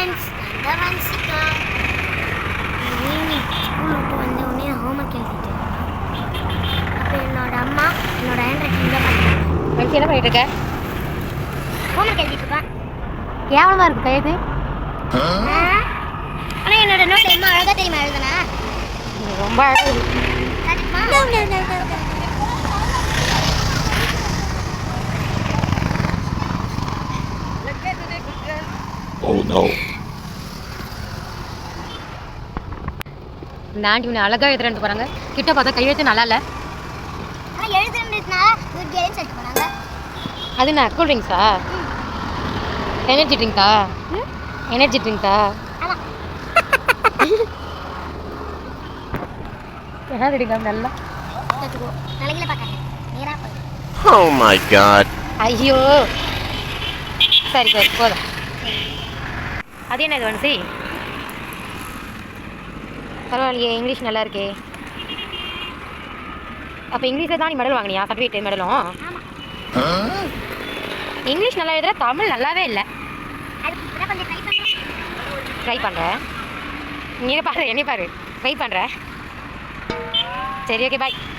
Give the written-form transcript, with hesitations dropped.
Friends, நான் வன்சிகா. Evening school விட்டு வந்த உடனே ஹோம்ஒர்க் எழுதிட்டு அப்போ என்னோட அம்மா என்னோட ஹேண்ட் ரைட்டிங் தான் வன்சி என்ன பண்ணிட்டு இருக்க? ஹோம்ஒர்க் எழுதிட்டு இருப்பேன். கேவலமாக இருக்கு கையது. ஆனால் என்னோட நோட் என்ன அழகாக தெரியுமா எழுதுனா? ரொம்ப அழகாக இருக்கு. Oh no. இந்த ஆண்டி உன்னை அழகாக எழுதுறேன்ட்டு போகிறாங்க. கிட்ட பார்த்தா கையெழுத்து நல்லா இல்லை. ஆனால் எழுதுறதுனால குட் கேர்ள்னு சொல்லிட்டு போனாங்க. அது என்ன கூல் ட்ரிங்க்ஸா? எனர்ஜி ட்ரிங்க்கா? எனர்ஜி ட்ரிங்க்கா? ஆமாம். என்ன ரெடிங்க நல்லா கற்றுக்கோ. நாளைக்கு பார்க்கறேன். நேராக போய். Oh my god. ஐயோ சரி சரி போதும். அது என்ன இது வன்சி? பரவாயில்லையே, இங்கிலீஷ் நல்லா இருக்கே. அப்போ இங்கிலீஷில் தான் நீ மெடல் வாங்கினியா? சர்டிஃபிகேட் மெடலும்? இங்கிலீஷ் நல்லா எழுதுற, தமிழ் நல்லாவே இல்லை. ட்ரை பண்ணுறேன். நீ பாரு, என்னை பாரு, ட்ரை பண்ணுறேன். சரி ஓகே பாய்.